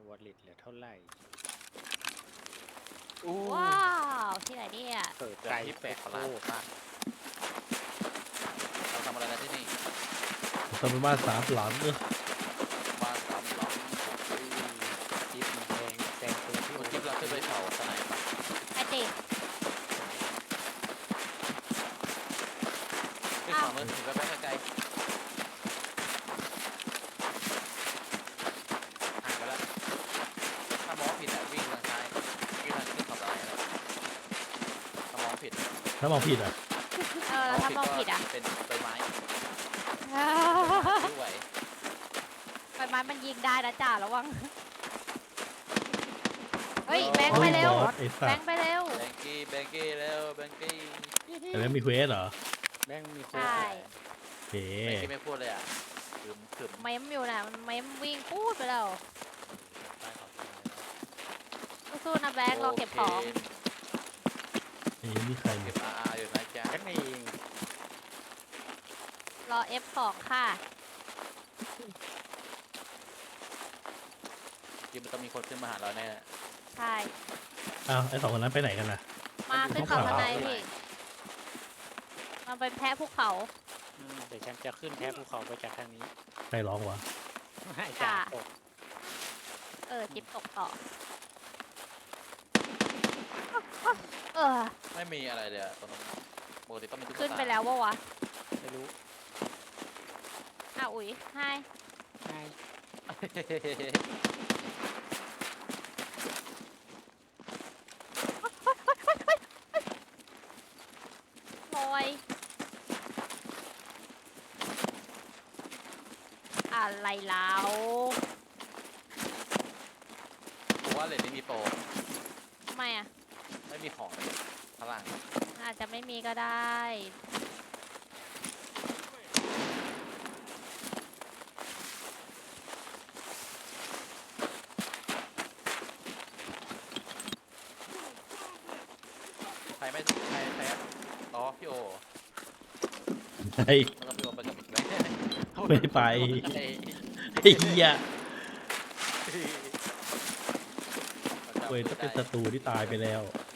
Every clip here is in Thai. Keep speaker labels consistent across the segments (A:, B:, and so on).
A: วอลเล็ตเหลือเท่าไหร่
B: ว้าวที่ไหนเนี่ย
A: เปิด
C: เจอ
A: ไกล
C: ที่แปลกประหลาด
A: โอ้
C: มากเราทำอะไรกันที่นี่
D: ทำเป็นบ้าน3 หลัง
C: บ้านสามหลัง
A: จิ๊บมันแพงแซงตัวที่
C: โอ้จิ๊บเราขึ้นไปเผาสไนปะ
B: ไอติม
C: ขึ้นขวามือถึงไปไกลๆห่างไปแล้วถ้ามองผิดอะวิ่งทางซ้ายวิ่งทางขึ้นเขาสไนแล้วถ้ามองผิด
D: ถ้ามองผิดอ่ะ
B: แล้วถ้ามองผิดอ่ะ
C: เป็นใบไม้ด้วย
B: ใบไม้มันยิงได้นะจ่าระวังเฮ้ยแบงค์ไปเร็ว
D: บอสไอ้สั
B: แบ
D: ต
B: ง
D: ว์
B: ค์ไปเร็ว
C: แบงกี้เร็วแบงกี้
D: แต่แล้วมีเควสเหรอ
A: แม่งมีค
B: ใช่
D: โอเค
C: แบงกี้ไม่พูดเลยอ่ะขึม
B: เม้มอยู่น่ะมันเม้มวิ่งพูดไปแล้วสู้ๆนะแบงค์เราเก็บของ
D: ไอ้นี่ใคร
C: เก็
D: เนี่ย
C: บอาอยู่นะจ๊ะ
A: กันเอง
B: รอ F2 ค่ะ
C: ยิมมันต้องมีคนขึ้นมาหาเราแน่
B: ใช่
D: อ้าวไอ้2 คนนั้นไปไหนกันล่ะ
B: มาขึ้นเขาบันไดพี่มันเป็นแพะภูเขา
A: เดี๋ยวฉันจะขึ้นแทบภูเขาไปจากทางนี้
D: ใครร้องวะ
A: ให้จ่าตก
B: จิ๊บตกต่อเออ
C: ไม่มีอะไรเลยอะตรงนั้นปกติต้องมีตุ๊กตา
B: ขึ้นไปแล้ววะวะ
A: ไม่รู้
B: อุ๋ยไฮ
A: ให้
B: ลอยอะไรแล้ว
C: ผมว่าเลนนี้มีโปร
B: ทำไมอ่ะ
C: ไม่มีของเลยข้างล่าง
B: อาจจะไม่มีก็ได้
C: ใครอ๋อพี่โอ
D: ไอ้
C: แล้วก็พี่โอไปกับอีกไหม
D: ไม่ไป ไอ้เหี้ยเว้ยถ้าเป็นศัตรูที่ตายไปแล้ว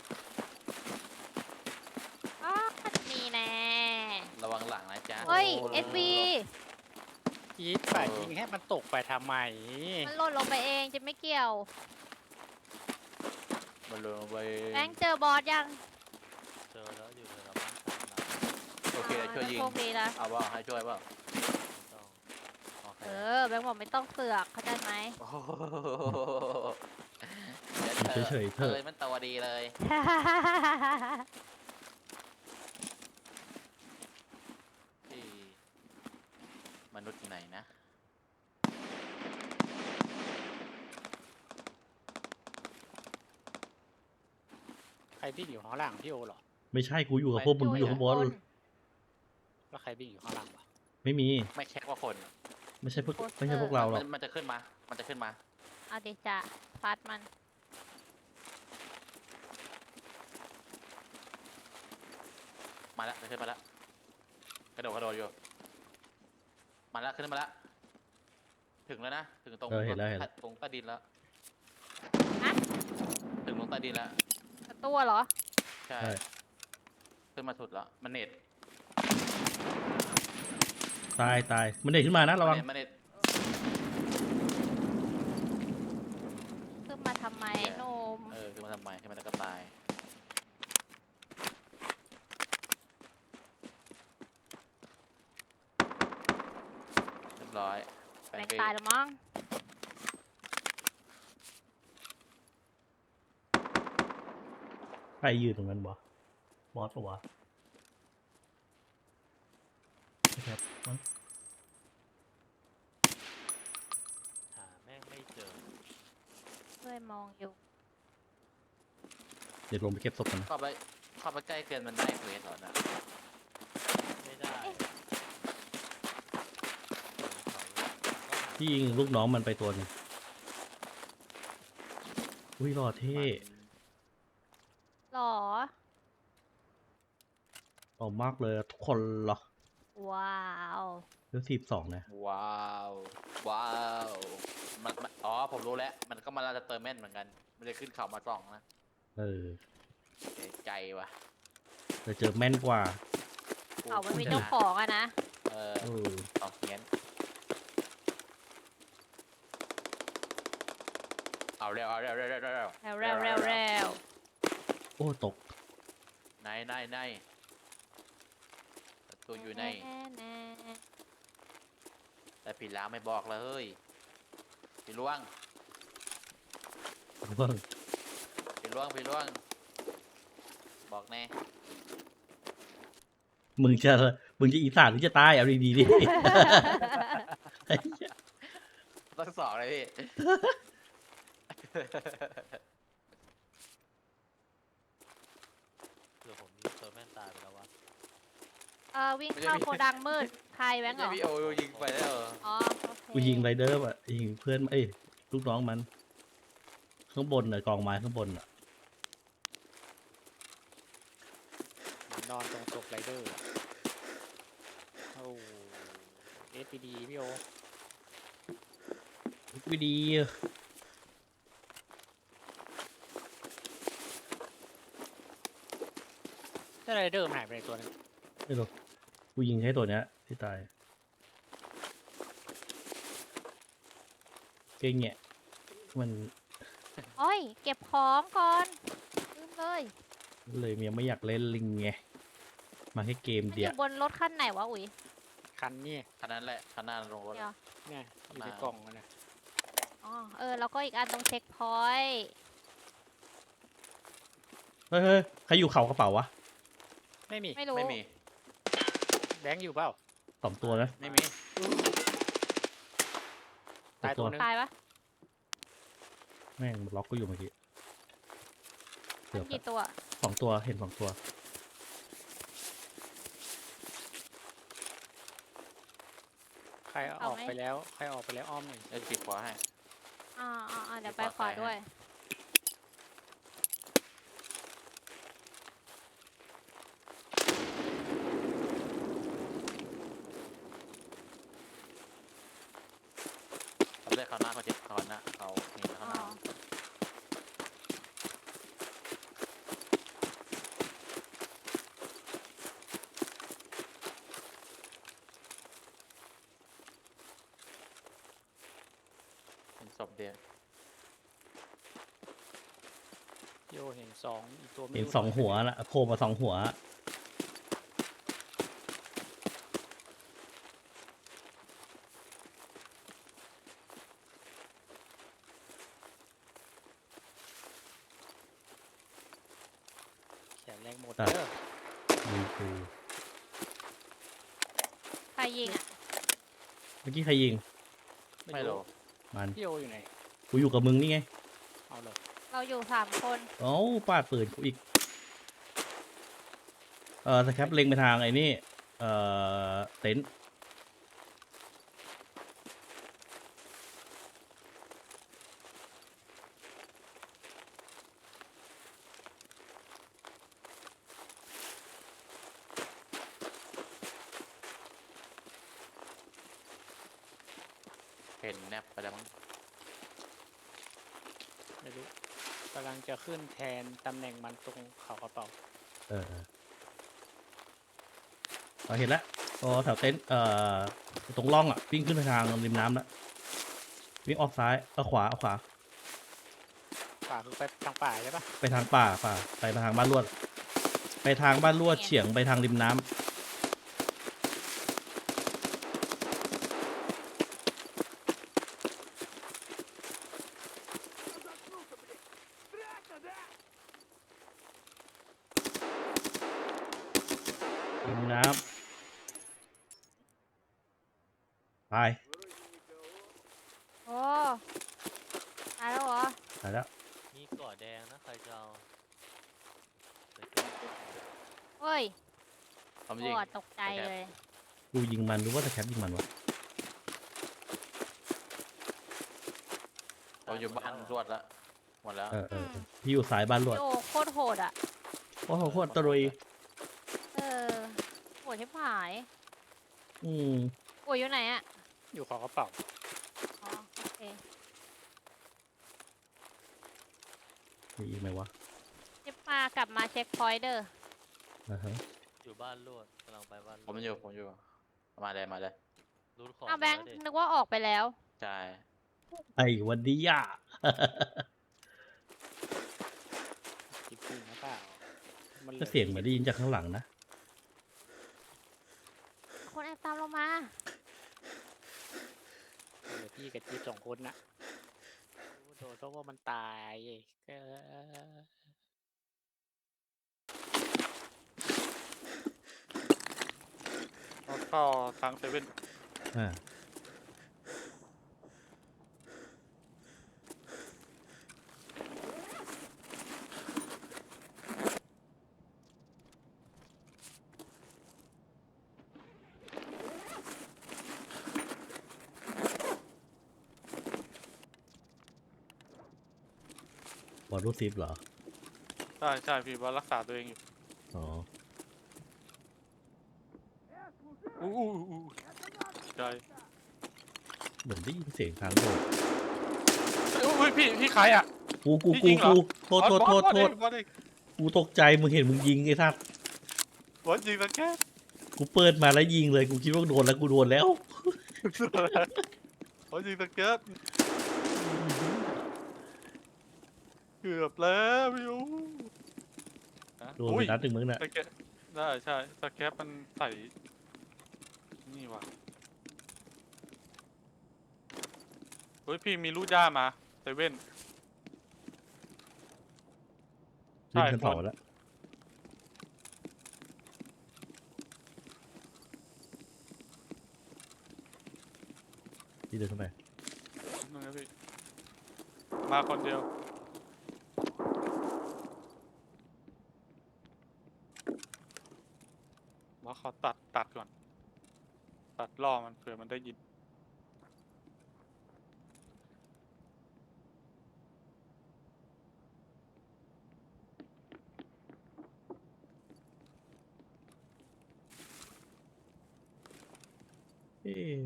B: นี่แน่
C: ระวังหลังนะจ๊ะ
B: เฮ้ย SV
A: จี๊ดป่ายิงให้มันตกไปทำไม
B: มันหล่นลงไปเองจะไม่เกี่ยว
C: มันลงไป
B: แบงค์เจอบอสยัง
C: เจอแล้วอยู่ในบ้านสามหลังโอเคเดี๋ยวช่วยยิง
B: โชคดีนะ
C: เอาว่าให้ช่วยเปล่าโอเค
B: แบงค์บอกไม่ต้องเสือกเข้าใจไหม
C: โอ้โหดี๋ว
D: เฉยๆเถอะ
C: มันตัวดีเลยที่มนุษย์อยู่ไหนนะ
A: ใครวิ่งอยู่ข้างล่างพี่โอเหรอ
D: ไม่ใช่กูอยู่กับพวกมึงอยู่ข้างบน
A: แล้วใครวิ่งอยู่ข้างล่างวะ
D: ไม่มี
C: ไม่แค่ว่าคน
D: ไม่ใช่พวกเราหรอก
C: มันจะขึ้นมา มันจะขึ้นมา
B: เอาดิจะฟัดมัน
C: มาแล้วขึ้นมาแล้วกระโดดอยู่มาแล้วขึ้นมาแล้วถึงแล้วนะถึงตรง
D: เห็นแล้ว
C: ตรงใต้ดินแล้ว
B: ฮะ
C: ถึงตรงใต้ดินแล้ว
B: ตัวเหรอ
C: ใช่
D: ใช่
C: ขึ้นมาสุดแล้วมันเน็ต
D: ตายมันเด็กขึ้นมานะระวัง
C: มันเน็ต
B: ขึ้นมาทำไมโนม
C: ขึ้นมาทำไมขึ้นมาแล้วก็ตายเรียบร้อย
B: แบงค์ตายแล้วมั้ง
D: ใครยืนตรงนั้นวะบอสปะวะไม่ครับมั้ง
A: หาแม่งไม่เจอ
B: ช่วยมองอยู่
D: เดี๋ยวลงไปเก็บศพกันนะ
C: เข้าไปใกล้เกินมันได้เควสเหรอนะไม่ได้
D: ที่ยิงลูกน้องมันไปตัวหนึงอุ้ยหล่อเท่
B: หรอ
D: หล่อมากเลยทุกคนเหรอ
B: ว้าว
D: เลือด12นะ
C: ว้าวมันอ๋อผมรู้แล้วมันก็มาลาจะเติมแม่นเหมือนกันมันจะขึ้นเขามาส่องนะ
D: เออ
C: เสียใจว่ะ
D: แต่เจอแม่นกว่า
B: เขามันมี
C: ชะ
B: เจ้าของอะนะ
C: เออ
D: เออ
C: เอาเงี้ยเอาเร็วเอาเร็วเร็วเร็วเร็ว
B: เร็วเร็วเร็วเร็ว
D: โอ้ตก
C: ในประตูอยู่ใน
B: แน่
C: แต่ผีล้างไม่บอกเลยเฮ้ยผีล่วง
D: เพิ่ง
C: ผีล่วงผีล่วง บอกแน่
D: มึงจะอีสานหรือจะใต้เอาดีๆดิ
C: ต้องสองเลยพี่
A: เดี๋ยวผมยิงตัวแม่นตายไปแล้ววะ
B: วิ่งเข้าโกดังมืดใครแบงค์เหร
C: ไม่
B: อ
C: พี่โอยิงไปแล้วเหรอ
B: อ๋อโอเค
D: กูยิงไรเดอร์อ่ะยิงเพื่อนเอ้ยลูกน้องมัน ข้างบนน่ะกองไม้ข้างบนอ่ะ
A: นอนตรงศพไรเดอร์อะโอ้เอสพีดีพี่โอ
D: วิดี
A: ถ้าไรเดอร์มันหายไปในตัวนึง
D: ไม่รู้กูยิงให้ตัวเนี้ยที่ตาย เก่งเนี่ยมัน
B: โอ้ยเก็บของก่อนลืมเลย
D: เลยยังไม่อยากเล่นลิงไง มาแค่เกม
B: มันอ
D: เดียว
B: ยู่บนรถคันไหนวะอุ๋ย
A: คันนี่
C: คันนั้นแหละคันหน้าลงรถ
B: เดี๋ยว
A: เนี่ยอยู่ในกล่องมันนะ
B: อ๋อแล้วก็อีกอันตรงเช็คพอยต์
D: เฮ้ยใครอยู่เขากระเป๋าวะ
A: ไม่มี
B: ไม่รู้
C: ไม่มี
A: แบงค์อยู่เปล่า
D: สองตัวนะ
C: ไม่มี
A: ตายตัวนึง
B: ตายปะ
D: แม่งล็อกก็อยู่เมื่อกี้เกือบ
B: กี่ตัว
D: สองตัวเห็นสองตัว
A: ใครออกไปแล้วใครออกไปแล้วอ้อมหน่อย
C: เอ้ยขีดขวาให้
B: เดี๋ยวไปขวาด้วย
C: เขาเรียกเขาหน้าเขาเจ็บเขาหน้าเขาเห็นเขาหน้าเป็นศพเดียว
A: พี่โอเห็นสองอีกตัวไม่
D: เห็น
A: รู้
D: สองหัวละโผล่มาสองหัว
A: แขนแรงหมด
D: ตัด
A: เด้อ
D: มีกู
B: ใครยิงอ่ะ
D: เมื่อกี้ใครยิง
C: ไม่รู้
D: มัน
A: พี่โออยู่ไหน
D: กูอยู่กับมึงนี่ไง
A: เอาเลย
B: เราอยู่3 คน
D: เอ้าปาดปืนกูอีก สครับเล็งไปทางไอ้นี่ เต็นท์
C: เห็นแนบไปแล้วมั้ง
A: ไม่รู้กำลังจะขึ้นแทนตำแหน่งมันตรงเขากระเป๋า
D: เราเห็นแล้วอ๋อแถวเต็นท์ตรงร่องอ่ะวิ่งขึ้นไปทางริมน้ำแล้ววิ่งออกซ้ายขวาขวา
A: ป่าคือไปทางป่าใช่ปะ
D: ไปทางป่าไปทางบ้านลวด ไปทางบ้านลวดเฉียงไปทางริมน้ำริมน้ำไป
B: โอ้ตายแล้วเหรอ
D: ตายแล้ว
E: มีเกาะแดงนะใครจะเอาไป
B: เฮ้ย
C: ผม
B: โอ้
C: ยิง
B: ตกใจเลย
D: กูยิงมันหรือว่าแต่แคปยิงมันวะ
C: เราอยู่บ้านรวดแล้วหมดแล้ว
D: พี่อยู่สายบ้านลวด
B: โอ้โคตรโหดอ่ะ
D: โอ้โหโคตรตรุย
B: โหดชิบหาย
D: อืม
B: โอ้ยอยู่ไหนอ่ะ
A: อยู่เขากระเป๋า
B: อ๋อโอเค
D: มีอีกไหมวะ
B: จิบมากลับมาเช็คพอยต์เด้อ
D: อ่าฮะ
E: อยู่บ้านลวดกำลังไปบ้านล
C: ผม
E: วด
C: อยู่ผมอยู่มาเลยมาเลย
E: รูดของ
B: เอาแบงค์
E: มาล้วดิ
B: นึกว่าออกไปแล้ว
C: ใช่
D: ไอ้วันนี้อ่ะ
A: จริงๆนะเปล่ามันหลื
D: ก็เสียงเหมือนได้ยินจากข้างหลังนะ
B: คนแอบตามเรามา
A: เหลือพี่กับจิ๊บสองคนนะโอ้โดนเพราะว่ามันตายเออ
F: แล้วก็ทางเซเว่น
D: อ่า บอลรูดซิปเหรอ
F: ใช่ใช่พี่ว่ารักษาตัวเองอยู่
D: อ๋อ
F: อู้ใช่
D: เหมือนได้ยินเสียงทางโดด
F: อุ้ยพี่ใครอ่ะ
D: กู
F: พี่ยิงเหรอ
D: โทษ
F: บอส
D: กูตกใจ มึงเห็นมึงยิงไอ้สัส
F: บอสยิงตะแค่
D: กูเปิดมาแล้วยิงเลย กูคิดว่าโดนแล้ว กูโดนแล้ว
F: บอสยิงตะแค่เกือบแล้วพี่อู้
D: โดนไปนัดหนึ่งมึงน่ะ
F: ตะแค่ได้ใช่ตะแค่มันใส่นี่ว่ะเฮ้ยพี่มีลูกย่ามาเซเว่น
D: ขึ้นชั้นสองแล้ว ที่เดินเข้าไป
F: นึงนะพี่มาคนเดียวมาขอตัดก่อน ตัดล่อมันเผื่อมันได้ยิน
D: เอ๊ะ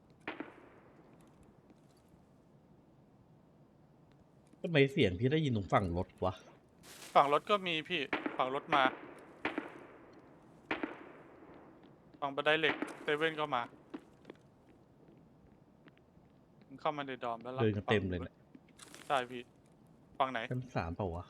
D: ทำไมเสียงพี่ได้ยินตรงฝั่งรถวะ
F: ฝั่งรถก็มีพี่ ฝั่งรถมา ฝั่งบันไดเหล็กเซเว่นก็มามันเข้ามาในดอมแล้ว
D: เดินกันเต็มเลยเนี่ย
F: ใช่พี่ ฝั่งไหน
D: ชั้นสามเปล่าวะ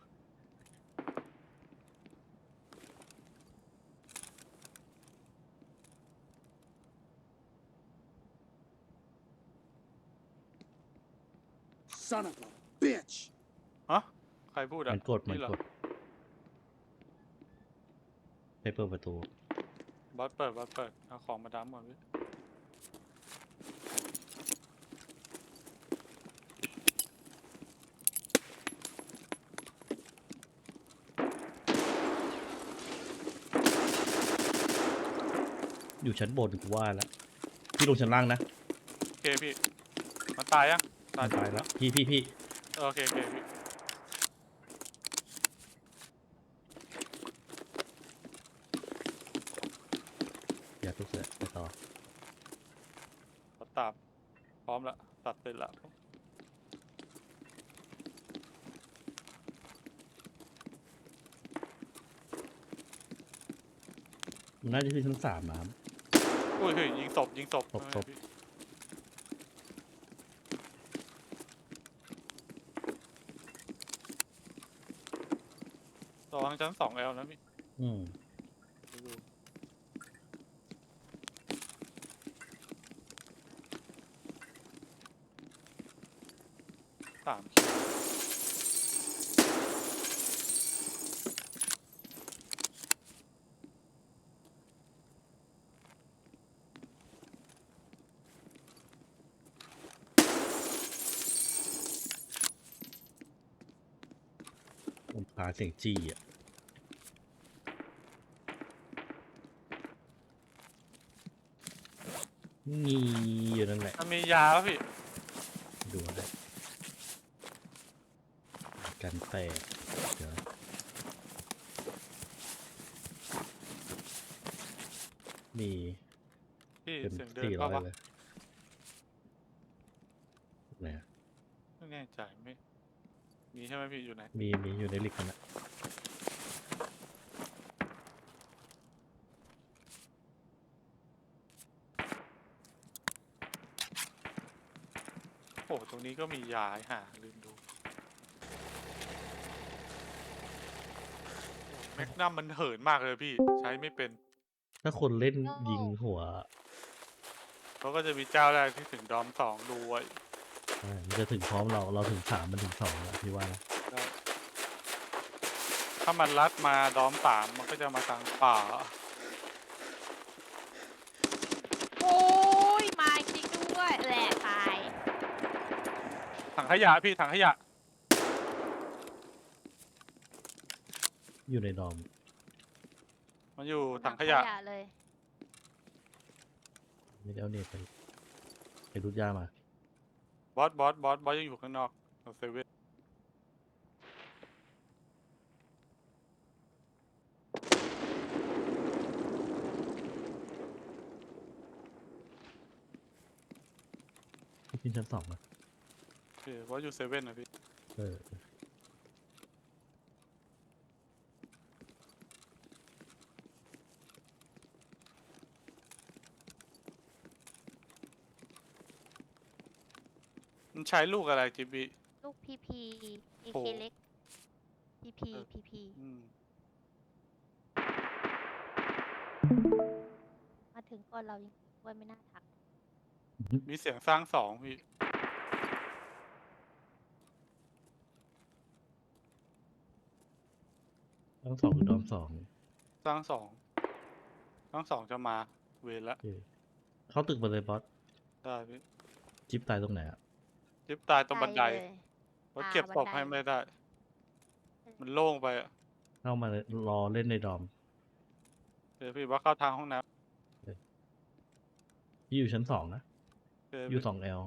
G: Son of a bitch!
F: ฮะ ใครพูดอ่ะ
D: มันกด
F: เหรอก
D: ดไปเปิดประตู
F: บอสเปิด เอาของมาดัมก่อนพี่
D: อยู่ชั้นบนกูว่าแล้ว พี่ลงชั้นล่างนะ
F: โอเคพี่ มันตายยัง
D: มันตายแล้ว พี่
F: โอเคพี่
D: อย่าทุกเสือไปต่อ
F: ตัดพร้อมละตัดเสร็จละ
D: มันน่าจะขึ้นชั้นสามน้
F: อุ้ยเฮ้ยยิงศพ
D: ศพ
F: ทำไมพี่ระวังชั้น2L นะพี่
D: ำอืม
F: 3
D: ผมพาเสียงจี้อ่ะงีอยู่นั่นแหละ
F: มันมียาป่ะพี่
D: ดูได้กันแตกเดี๋ยวมี
F: พี่
D: เป็น
F: เสียงเดิน
D: 400
F: เข้าปะ
D: เลยไหนอะ
F: ไม่แน่ใจไม่มีใช่ไหมพี่อยู่ไหน
D: มีอยู่ในลิกกันนะ
F: โอ้ตรงนี้ก็มียาให้หาลืมดูแมกนัมมันเหินมากเลยพี่ใช้ไม่เป็น
D: ถ้าคนเล่นยิงหัว
F: เขาก็จะมีเจ้าแรกที่ถึงดอม2ดูไว้
D: มันจะถึงพร้อมเราถึง3มันถึง2แล้วพี่ว่านะ
F: ได้ถ้ามันลัดมาดอม3มันก็จะมาทางป่า
B: โอ้ยมาจริงด้วยแหละตาย
F: ถังขยะพี่ถังขยะ
D: อยู่ในดอม
F: มันอยู่ถังขยะ
B: เลย
D: ไม่ได้เอาเน็ตไปรูดยามา
F: บอสยังอยู่ข้างนอกของเซเว่น
D: ขึ้นชั้น2นะ
F: บอสอยู่เซเว่นนะพี่
D: เออ
F: มันใช้ลูกอะไรจิบบี้
B: ลูกพีพีเอ
F: โอ้
B: เคเล็กพีพี
F: เออ
B: พีพี
F: อืม
B: มาถึงก่อนเรายังว่าไม่น่าทัก
F: มีเสียงสร้าง2พี่
D: ทั้ง2คือดอม2
F: สร้าง2จะมาเวรละ
D: เข้าตึกมาเลยบอส
F: ได้พี่
D: จิ๊บตายตรงไหนอ่ะ
F: จิ๊บตายตรงบันได
B: เลย
F: บอสเก็บศพ
B: บันได
F: ให้ไม่ได้ มันโล่งไปอ่ะ
D: เข้ามาเลยรอเล่นในดอม
F: เดี๋ยวพี่ว่าเข้าทางห้องน้
D: พี่อยู่ชั้น2นะ
F: ำเดี๋ยว
D: อยู่
F: พี่
D: 2L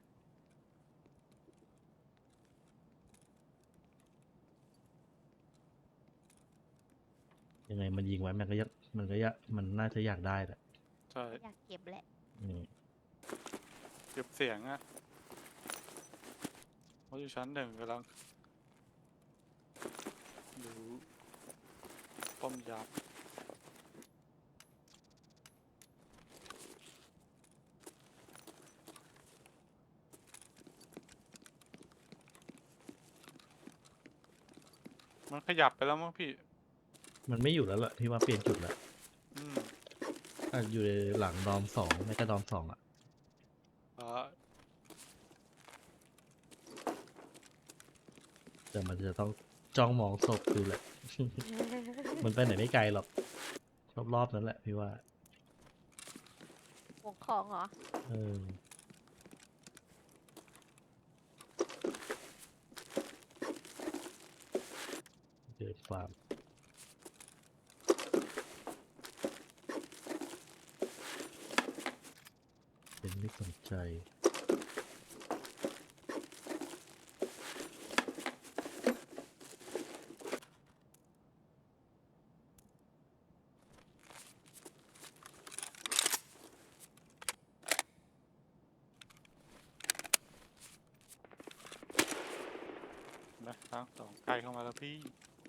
D: ยังไงมันยิงไว้มันน่าจะอยากได้แหละ
F: ใช่
B: อยากเก็บแหละ
D: อืม
F: เก็บเสียงอ่ะบอสอยู่ชั้น1กำลังดูป้อมยามมันขยับไปแล้วมั้งพี่
D: มันไม่อยู่แล้วล่ะพี่ว่าเปลี่ยนจุดแล้ว
F: อืม
D: อยู่ในหลังดอม2ไม่ก็ดอม2อ่ะ
F: อ่า
D: แต่มันจะต้องจ้องมองศพดูแหละ มันไปไหนไม่ไกลหรอกรอบๆนั้นแหละพี่ว่า
B: ห่วงของเหรอ
D: เออเดินฟาร์มเป็นไม่สนใจ
F: นะทาง2ไกลเข้ามาแล้วพี่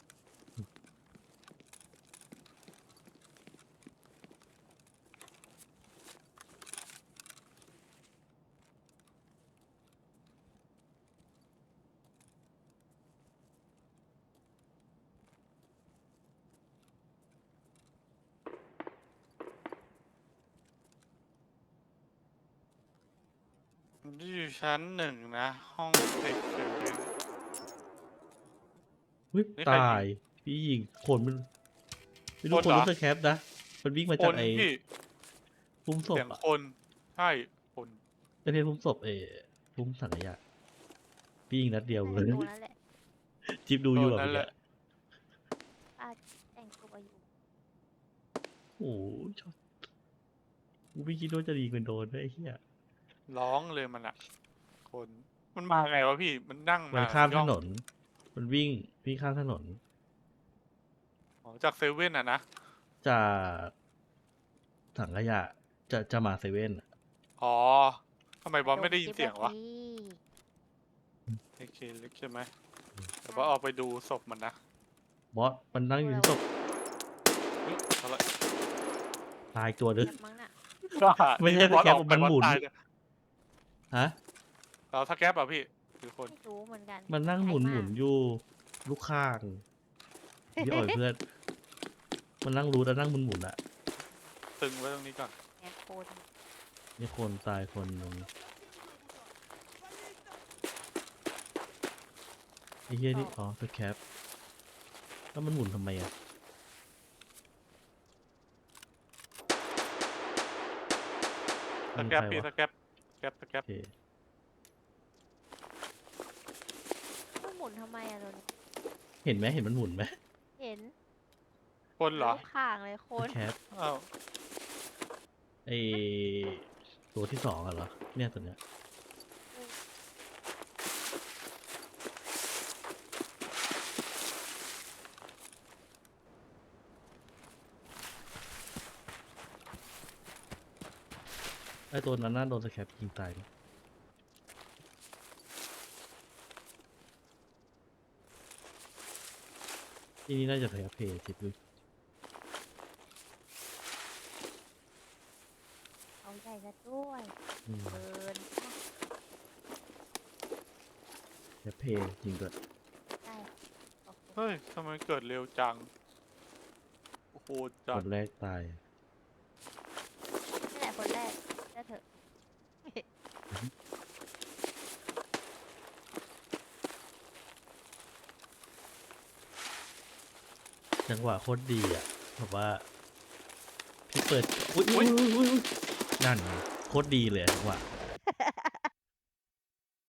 F: อยู่ชั้น1นะ ห้อง10เดี๋ยวนี้
D: เฮ้ย
F: นี่ใครยิง
D: ตาย พี่ยิงคนมันไม่รู้
F: คน
D: คน
F: เหรอ
D: รู้สึกแคปนะ มันวิ่งมา
F: ค
D: จาก
F: น
D: ไอ้
F: พี่
D: พุ่มศ
F: เสี
D: พ
F: ยง
D: อ่ะ
F: คนใช่คน
D: ไม่ใช่พุ่มศพพุ่มสังขยะพี่ยิงนัดเดียวเล
B: น่าย จะ
D: จิ๊
B: ดูนั่นแหละ
D: บดูอยู่
F: โด
D: แบบ
F: นนั่นแห
D: เนี้
F: ละ
D: ย
B: ป้าแต่งตัวอยู่
D: โอ้โหชอบกูไม่คิดว่าจะยิงเป็นโดนด้วยไอ้เหี้ย
F: ร้องเลยมันอะคนมันมาไงวะพี่มันนั่ง
D: มัน
F: มา
D: ข้ามถ
F: ย่อง
D: นน มันวิ่งข้ามถนน
F: อ๋อจากเซเว่นอะนะ
D: จากถังขยะจะมาเซเว่นอะ
F: อ๋อทำไมบอสไม่ได้ยินเสียงวะ
B: โดนจิ๊บ
F: เอเคเล็กใช่ไหม
D: อืม
F: แต่ว่าออกไปดูศพมันนะ
D: บอสมันนั่งอยู่ที่ศพ
F: เฮ้ยอะไร
D: ตายตัวนึง
B: แบบมั้งน่ะ
D: ไม่ใช่
F: บอส
D: สแคป
F: ออกไป
D: มันหมุน
F: บอสตายเลย
D: ฮะ
F: เราสแคปอ่ะพี่คือคน
B: ไม่รู้เหมือนกัน
D: มันนั่งหมุนหมุนอยู่ลูกข้างพี่อ่อยเพื่อน มันนั่งรูดแล้วนั่งหมุนหมุนอะ
F: ตึงไว้ตรงนี้ก่อน
B: แอนโคน
D: นี่คนตายคนหนึงไอ้เหี้ยนี่อ๋อสแคปแล้วมันหมุนทำไมอะ
F: สแคปพี่สแคปสแคปสแคป
D: โอเค
B: มันหมุนทำไมอะตัวนี้
D: เห็นไหมเห็นมันหมุนไหม
B: เห็น
F: คนเหรอ
B: ลูกข่างเลยโค
D: ส
B: น
D: แคป
F: อ้าว
D: ไอตัวที่สองอะเหรอเนี่ยตัวเนี้ยไอตัวนั้นน่าโดนสแคปยิงตายไหมที่นี่น่าจะแพ้เพย์สิบวิ
B: เอาใหญ่ซะด้วย
D: อืม
B: เกิน
D: แพ้เพย์จริงด้วย
B: ได้โอเค
F: เฮ้ยทำไมเกิดเร็วจังโอ้โหจั
D: ค
F: ด
D: นแรกตาย
B: นี่แหละคนแรกได้เถอะ
D: จังหวะโคตรดีอ่ะแบบว่า พี่เปิด อุ้ยนั่นไงโคตรดีเลยจังหวะ